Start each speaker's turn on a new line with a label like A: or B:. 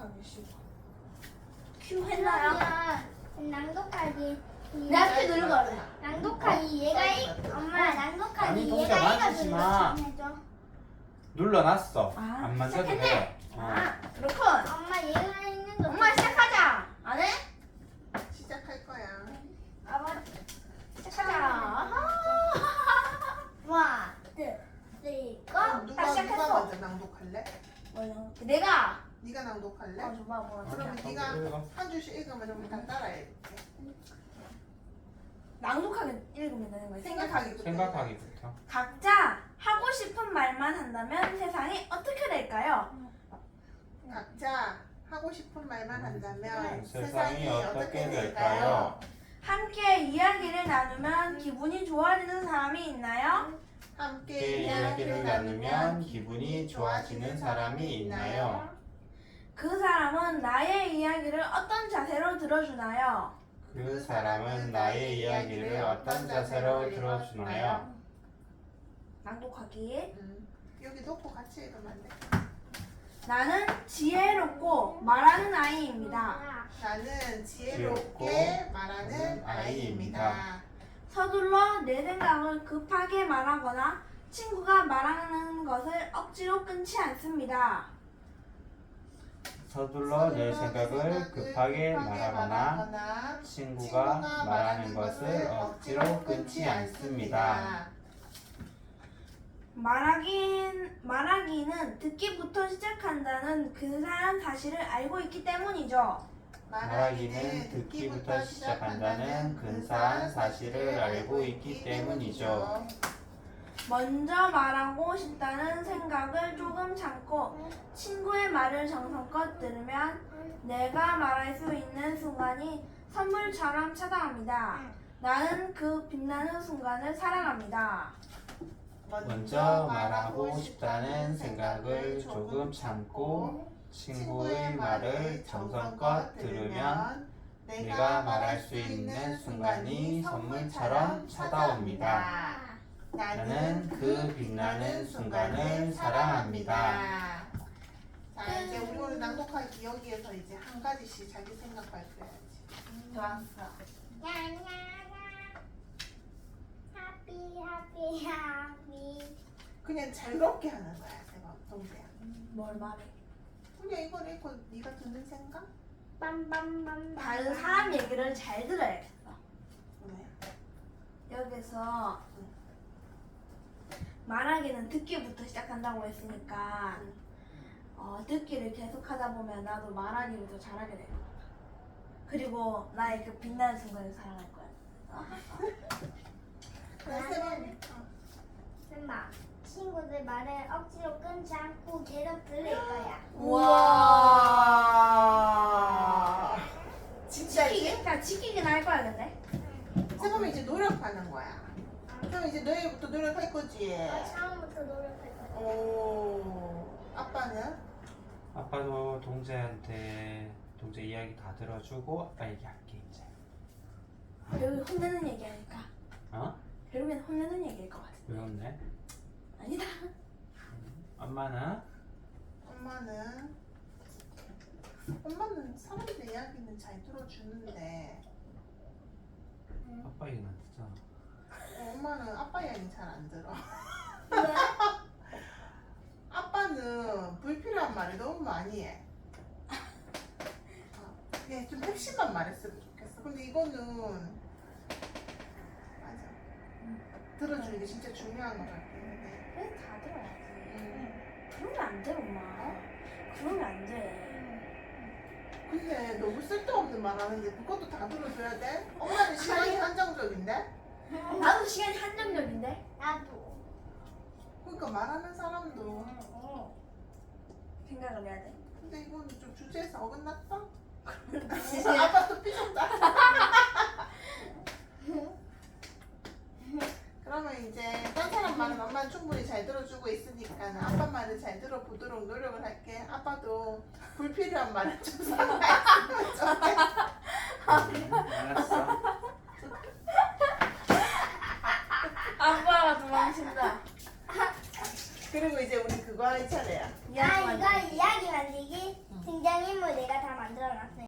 A: 주시고. 큐 했나요?
B: 낭독하기.
A: 내가 큐 누른 거래.
B: 낭독하기 얘가 엄마 낭독하기
C: 아니, 동시에
B: 얘가
C: 만지지
B: 이거
C: 마.
B: 해줘.
C: 눌러놨어.
A: 아,
C: 안 만져도
A: 시작했네.
C: 돼.
A: 아, 그렇군.
B: 엄마 얘가 있는 거.
A: 엄마 시작하자. 안 해?
D: 시작할 거야.
B: 아빠
A: 시작하자.
B: 와, 쓰리, 고.
D: 누가
A: 시작했어.
D: 먼저 낭독할래?
A: 뭐야? 내가.
D: 네가 낭독할래?
A: 줘봐 뭐.
D: 그러면
C: 어,
D: 네가
C: 읽어.
D: 한 줄씩 읽으면 우리 다 따라해.
A: 낭독하게 읽으면 되는 거야.
D: 생각하기부터.
C: 생각하기부터.
A: 각자 하고 싶은 말만 한다면 세상이 어떻게 될까요?
D: 각자 하고 싶은 말만 한다면
C: 세상이 어떻게 될까요?
A: 함께 이야기를 나누면 기분이 좋아지는 사람이 있나요?
D: 함께
C: 이야기를 나누면 기분이 좋아지는 사람이 있나요?
A: 그 사람은 나의 이야기를 어떤 자세로 들어주나요?
C: 그 사람은 나의 이야기를 어떤 자세로 들어주나요?
A: 낭독하기.
D: 여기 놓고 같이 읽으면 안 돼?
A: 나는 지혜롭고 말하는 아이입니다.
D: 나는
C: 지혜롭고
D: 지혜롭게 말하는 아이입니다.
A: 서둘러 내 생각을 급하게 말하거나 친구가 말하는 것을 억지로 끊지 않습니다.
C: 서둘러 내 생각을 급하게 말하거나 친구가 말하는 것을 억지로 끊지 않습니다.
A: 말하기는 듣기부터 시작한다는 근사한 사실을 알고 있기 때문이죠.
C: 말하기는 듣기부터 시작한다는 근사한 사실을 알고 있기 때문이죠.
A: 먼저 말하고 싶다는 생각을 조금 참고 친구의 말을 정성껏 들으면 내가 말할 수 있는 순간이 선물처럼 찾아옵니다. 나는 그 빛나는 순간을 사랑합니다.
C: 먼저 말하고 싶다는 생각을 조금 참고 친구의 말을 정성껏 들으면 내가 말할 수 있는 순간이 선물처럼 찾아옵니다. 나는 그 빛나는 순간을 사랑합니다.
D: 자, 이제 우리 오늘 낭독하기 여기에서 이제 한 가지씩 자기 생각 발표해야지.
A: 좋았어.
B: 하피 하피.
D: 그냥 자유롭게 하는 거야, 제가 동생.
A: 뭘 말해?
D: 그냥 이걸 읽고 네가 듣는 생각?
B: 빰빰빰.
A: 다른 사람 얘기를 잘 들어야겠어.
D: 네.
A: 여기서 말하기는 듣기부터 시작한다고 했으니까 듣기를 계속하다 보면 나도 말하기부터 잘하게 될 거야. 그리고 나의 그 빛나는 순간을 사랑할 거야.
D: 나는
B: 엄마, 친구들 말을 억지로 끊지 않고 계속 들을 거야.
A: 우와.
D: 진짜지?
A: 그러니까 지키긴 할 거야 근데.
D: 그러면 이제 노력하는 거야. 그럼 이제 내일부터 노력할 거지.
B: 처음부터 노력할 거야.
D: 오, 아빠는?
C: 아빠도 동재한테 동재 이야기 다 들어주고 아빠 얘기할게 이제.
A: 결국엔 혼내는 얘기하니까.
C: 어?
A: 결국엔 혼내는 얘기일 것 같아.
C: 왜 혼내?
A: 아니다.
C: 엄마는?
D: 엄마는 사람들 이야기는 잘 들어주는데
C: 아빠 얘기는 안 듣잖아.
D: 엄마는 아빠 이야기 잘 안 들어.
B: 왜?
D: 아빠는 불필요한 말을 너무 많이 해. 그냥 좀 핵심만 말했으면 좋겠어. 근데 이거는 맞아. 들어주는 게 진짜 중요한 것 같긴 한데.
A: 왜 다 들어야지. 그러면 안 돼 엄마. 그러면 안 돼.
D: 근데 너무 쓸데없는 말 하는데 그것도 다 들어줘야 돼? 엄마는 시간이 한정적인데?
A: 나도 시간이 한정적인데.
B: 나도.
D: 그러니까 말하는 사람도.
A: 생각을 해야 돼.
D: 근데 이거는 좀 주제에서 어긋났다? 아빠 또 삐졌다. 그러면 이제 딴 사람 말은 엄마는 충분히 잘 들어주고 있으니까 아빠 말을 잘 들어보도록 노력을 할게. 아빠도 불필요한 말을 좀 생각했으면 좋겠어.
C: 알았어.
A: 아빠가 도망친다.
D: 그리고 이제 우리 그거 할 차례야.
B: 아, 이거 이야기 만들기? 등장인물 내가 다 만들어놨어요.